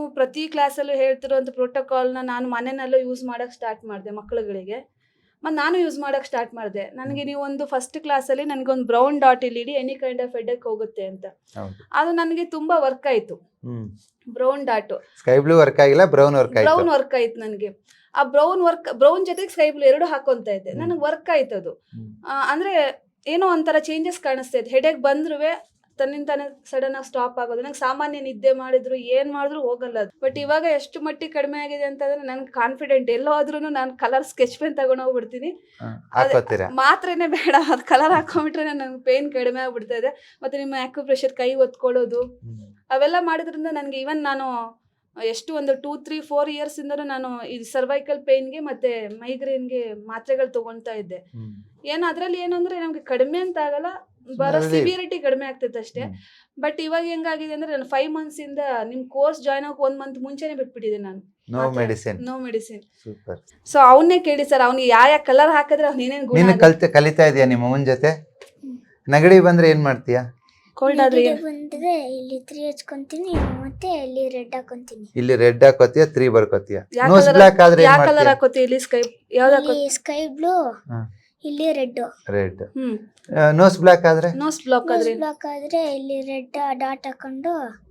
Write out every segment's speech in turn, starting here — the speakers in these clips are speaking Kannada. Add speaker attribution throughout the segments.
Speaker 1: ಪ್ರತಿ ಕ್ಲಾಸಲ್ಲೂ ಹೇಳ್ತಿರೋಂಥ ಪ್ರೋಟೋಕಾಲ್ನ ನಾನು ಮನೆಯಲ್ಲೂ ಯೂಸ್ ಮಾಡೋಕ್ಕೆ ಸ್ಟಾರ್ಟ್ ಮಾಡಿದೆ ಮಕ್ಕಳುಗಳಿಗೆ. ಮತ್ತು ನಾನು ಯೂಸ್ ಮಾಡೋಕ್ಕೆ ಸ್ಟಾರ್ಟ್ ಮಾಡಿದೆ. ನನಗೆ ನೀವು ಒಂದು ಫಸ್ಟ್ ಕ್ಲಾಸಲ್ಲಿ ನನಗೊಂದು ಬ್ರೌನ್ ಡಾಟ್ ಇಲ್ಲಿ ಇಡಿ ಎನಿ ಕೈಂಡ್ ಆಫ್ ಹೆಡೆಕ್ ಹೋಗುತ್ತೆ ಅಂತ. ಅದು ನನಗೆ ತುಂಬ ವರ್ಕ್ ಆಯಿತು. Brown dot
Speaker 2: sky blue work ಆಗಿಲ್ಲ, ಬ್ರೌನ್
Speaker 1: ವರ್ಕ್ ಆಯ್ತು ನನಗೆ. ಆ ಬ್ರೌನ್ ಜೊತೆಗೆ ಸ್ಕೈ ಬ್ಲೂ ಎರಡು ಹಾಕೊಂತ ಇದ್ದೆ. ನನಗೆ ವರ್ಕ್ ಆಯ್ತು ಅದು. ಅಂದರೆ ಏನೋ ಒಂಥರ ಚೇಂಜಸ್ ಕಾಣಿಸ್ತಾ ಇತ್ತು. ಹೆಡೆಕ್ ಬಂದ್ರೂ ತನ್ನಿಂತಾನೆ ಸಡನ್ ಆಗಿ ಸ್ಟಾಪ್ ಆಗೋದು. ನಂಗೆ ಸಾಮಾನ್ಯ ನಿದ್ದೆ ಮಾಡಿದ್ರು ಏನು ಮಾಡಿದ್ರು ಹೋಗಲ್ಲ ಅದು. ಬಟ್ ಇವಾಗ ಎಷ್ಟು ಮಟ್ಟಿಗೆ ಕಡಿಮೆ ಆಗಿದೆ ಅಂತಂದ್ರೆ ನನ್ಗೆ ಕಾನ್ಫಿಡೆಂಟ್. ಎಲ್ಲೋ ಆದ್ರೂ ನಾನು ಕಲರ್ ಸ್ಕೆಚ್ ಪೆನ್ ತಗೊಂಡೋಗ್ಬಿಡ್ತೀನಿ. ಮಾತ್ರೇನೆ ಬೇಡ, ಅದು ಕಲರ್ ಹಾಕೊಂಡ್ಬಿಟ್ರೆ ನನಗೆ ಪೇನ್ ಕಡಿಮೆ ಆಗ್ಬಿಡ್ತಾ ಇದೆ. ಮತ್ತೆ ನಿಮ್ಮ ಆಕ್ಯುಪ್ರೆಷರ್ ಕೈ ಒತ್ಕೊಳ್ಳೋದು ಅವೆಲ್ಲ ಮಾಡಿದ್ರಿಂದ ನನಗೆ ಈವನ್ ನಾನು ಎಷ್ಟು ಒಂದು 2-3-4 ಇಯರ್ಸಿಂದನೂ ನಾನು ಈ ಸರ್ವೈಕಲ್ ಪೇನ್ಗೆ ಮತ್ತು ಮೈಗ್ರೇನ್ಗೆ ಮಾತ್ರೆಗಳು ತೊಗೊಳ್ತಾ ಇದ್ದೆ. ಏನು ಅದರಲ್ಲಿ ಏನು ಅಂದರೆ ನಮಗೆ ಕಡಿಮೆ ಅಂತ ಆಗಲ್ಲ, ಬರೋ ಸಿವಿಯರಿಟಿ ಕಡಿಮೆ ಆಗ್ತೈತೆ ಅಷ್ಟೇ. ಬಟ್ ಇವಾಗ ಹೆಂಗಾಗಿದೆ ಅಂದರೆ ನಾನು 5 ಮಂತ್ಸಿಂದ ನಿಮ್ಮ ಕೋರ್ಸ್ ಜಾಯ್ನ್ ಆಗೋಕೆ 1 ಮಂತ್ ಮುಂಚೆನೇ ಬಿಟ್ಬಿಟ್ಟಿದ್ದೆ ನಾನು. No medicine. ಸೊ ಅವನ್ನೇ ಕೇಳಿ ಸರ್, ಅವ್ನಿಗೆ ಯಾವ ಕಲರ್ ಹಾಕಿದ್ರೆ ಅವ್ನು ಏನೇನು ಗುಣ
Speaker 2: ಕಲಿತಾ ಇದೆಯಾ ನಿಮ್ಮ ಅವನ ಜೊತೆ? ನೆಗಡಿ ಬಂದ್ರೆ ಏನ್ ಮಾಡ್ತೀಯಾ?
Speaker 1: ಕೋಲ್ಡ್ ಆದ್ರೆ
Speaker 3: ಬಂದ್ರೆ ಇಲ್ಲಿ 3 ಹಚ್ಕೊಂತೀನಿ, ಮತ್ತೆ ಇಲ್ಲಿ ರೆಡ್ ಹಾಕೊಂತೀನಿ.
Speaker 2: ಇಲ್ಲಿ ರೆಡ್ ಹಾಕೋತೀಯ, 3 ಬರ್ಕೋತೀಯ. ನೋಸ್ ಬ್ಲಾಕ್ ಆದ್ರೆ
Speaker 1: ಯಾವ ಕಲರ್ ಹಾಕೋತೀಯ? ಇಲ್ಲಿ ಸ್ಕೈ ಯಾವ್ದು ಹಾಕೋತೀಯ?
Speaker 3: ಸ್ಕೈ ಬ್ಲೂ, ಇಲ್ಲಿ ರೆಡ್.
Speaker 2: ನೋಸ್ ಬ್ಲಾಕ್ ಆದ್ರೆ
Speaker 3: ಇಲ್ಲಿ ರೆಡ್ ಡಾಟ್ ಹಾಕೊಂಡು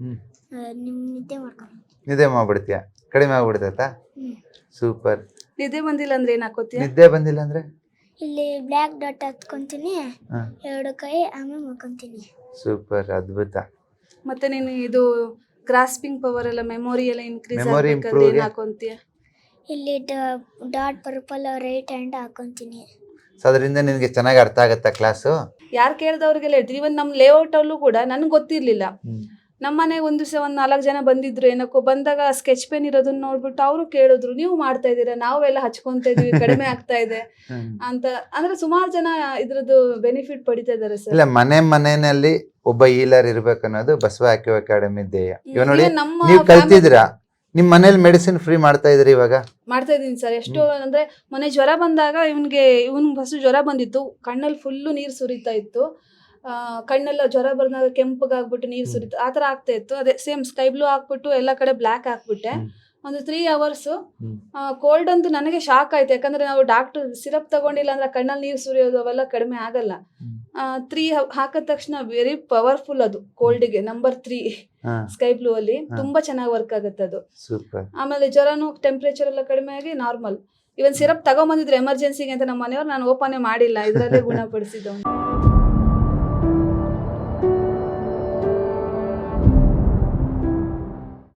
Speaker 2: ನಿದ್ದೆ ಮಾಡ್ಬಿಡ್ತೀಯ, ಕಡಿಮೆ ಆಗ್ಬಿಡ್ತೈತಾ? ಸೂಪರ್.
Speaker 1: ನಿದ್ದೆ ಬಂದಿಲ್ಲ ಅಂದ್ರೆ ಏನ್ ಹಾಕೋತೀಯ?
Speaker 2: ನಿದ್ದೆ ಬಂದಿಲ್ಲ ಅಂದ್ರೆ
Speaker 3: ಇಲ್ಲಿ ಬ್ಲಾಕ್ ಡಾಟ್ ಹಾಕೊಂತೀನಿ, 2 ಕೈ ಆಮೇಲೆ ಮಾಡ್ಕೊಂತೀನಿ.
Speaker 2: ಸೂಪರ್, ಅದ್ಭುತ.
Speaker 1: ಮತ್ತೆ ನೀನು ಇದು ಗ್ರಾಸ್ಪಿಂಗ್ ಪವರ್ ಎಲ್ಲ ಮೆಮೊರಿ ಎಲ್ಲ ಇನ್ಕ್ರೀಸ್ ಆಗಬೇಕಾದ್ರೆ ಏನು ಹಾಕೊಂತೀಯ?
Speaker 3: ಇಲ್ಲಿ ಡಾಟ್ ಪರ್ಪಲ್ ರೈಟ್ ಹ್ಯಾಂಡ್ ಹಾಕೊಂತೀನಿ.
Speaker 2: ಸೊ ಅದರಿಂದ ನಿನಗೆ ಚೆನ್ನಾಗಿ ಅರ್ಥ ಆಗುತ್ತಾ ಕ್ಲಾಸು?
Speaker 1: ಯಾರು ಕೇಳಿದವ್ರಿಗೆಲ್ಲ ಹೇಳ್ತೀವಿ. ಇವನ್ ನಮ್ಮ ಲೇಔಟ್ ಅಲ್ಲೂ ಕೂಡ ನನಗೆ ಗೊತ್ತಿರ್ಲಿಲ್ಲ. ನಮ್ಮ ಮನೆಗೆ ಒಂದು ದಿವಸ 4 ಜನ ಬಂದಿದ್ರು. ಏನಕ್ಕೋ ಬಂದಾಗ ಸ್ಕೆಚ್ ಪೆನ್ ಇರೋದನ್ನ ನೋಡ್ಬಿಟ್ಟು ಅವರು ಕೇಳಿದ್ರು, ನೀವು ಮಾಡ್ತಾ ಇದ್ದೀರಾ? ನಾವೆಲ್ಲ ಹಚ್ಕೊಂತ ಇದೀವಿ, ಕಡಿಮೆ ಆಗ್ತಾ ಇದೆ ಅಂತ. ಅಂದ್ರೆ ಸುಮಾರು ಜನ ಇದ್ರದ್ದು ಬೆನಿಫಿಟ್ ಪಡಿತಾ ಇದಾರೆ ಸರ್.
Speaker 2: ಇಲ್ಲ, ಮನೆಯಲ್ಲಿ ಒಬ್ಬ ಹೀಲರ್ ಇರ್ಬೇಕು ಅನ್ನೋದು ಬಸವ ಆಕ್ಯೂ ಅಕಾಡೆಮಿ ಧ್ಯೇಯ. ಇವಾಗ ನೋಡಿ, ನೀವು ಕಲ್ತಿದ್ದೀರಾ, ನಿಮ್ ಮನೇಲಿ ಮೆಡಿಸಿನ್ ಫ್ರೀ ಮಾಡ್ತಾ ಇದ್ರಿ? ಇವಾಗ
Speaker 1: ಮಾಡ್ತಾ ಇದೀನಿ ಸರ್. ಎಷ್ಟು ಅಂದ್ರೆ ಮೊನ್ನೆ ಜ್ವರ ಬಂದಾಗ ಇವನ್ಗೆ ಫಸ್ಟ್ ಜ್ವರ ಬಂದಿತ್ತು, ಕಣ್ಣಲ್ಲಿ ಫುಲ್ಲು ನೀರು ಸುರಿತಾ ಇತ್ತು. ಕಣ್ಣೆಲ್ಲ ಜ್ವರ ಬಂದಾಗ ಕೆಂಪಗಾಗ್ಬಿಟ್ಟು ನೀರು ಸುರಿತು, ಆ ಥರ ಆಗ್ತಾ ಇತ್ತು. ಅದೇ ಸೇಮ್ ಸ್ಕೈ ಬ್ಲೂ ಹಾಕ್ಬಿಟ್ಟು ಎಲ್ಲ ಕಡೆ ಬ್ಲ್ಯಾಕ್ ಹಾಕ್ಬಿಟ್ಟೆ. ಒಂದು 3 hours ಕೋಲ್ಡ್ ಅಂತೂ ನನಗೆ ಶಾಕ್ ಆಯ್ತು. ಯಾಕಂದ್ರೆ ನಾವು ಡಾಕ್ಟರ್ ಸಿರಪ್ ತಗೊಂಡಿಲ್ಲ ಅಂದ್ರೆ ಕಣ್ಣಲ್ಲಿ ನೀರು ಸುರಿಯೋದು ಅವೆಲ್ಲ ಕಡಿಮೆ ಆಗಲ್ಲ. 3 ಹಾಕಿದ ತಕ್ಷಣ ವೆರಿ ಪವರ್ಫುಲ್ ಅದು ಕೋಲ್ಡ್ಗೆ. ನಂಬರ್ 3 ಸ್ಕೈ ಬ್ಲೂ ಅಲ್ಲಿ ತುಂಬಾ ಚೆನ್ನಾಗಿ ವರ್ಕ್ ಆಗುತ್ತೆ ಅದು. ಆಮೇಲೆ ಜ್ವರನು ಟೆಂಪರೇಚರ್ ಎಲ್ಲ ಕಡಿಮೆ ಆಗಿ ನಾರ್ಮಲ್. ಇವನ್ ಸಿರಪ್ ತಗೊಂಬಂದಿದ್ರು ಎಮರ್ಜೆನ್ಸಿಗೆ ಅಂತ ನಮ್ಮ ಮನೆಯವ್ರು, ನಾನು ಓಪನ್ ಮಾಡಿಲ್ಲ, ಇದರಲ್ಲೇ ಗುಣಪಡಿಸಿದ್ದು.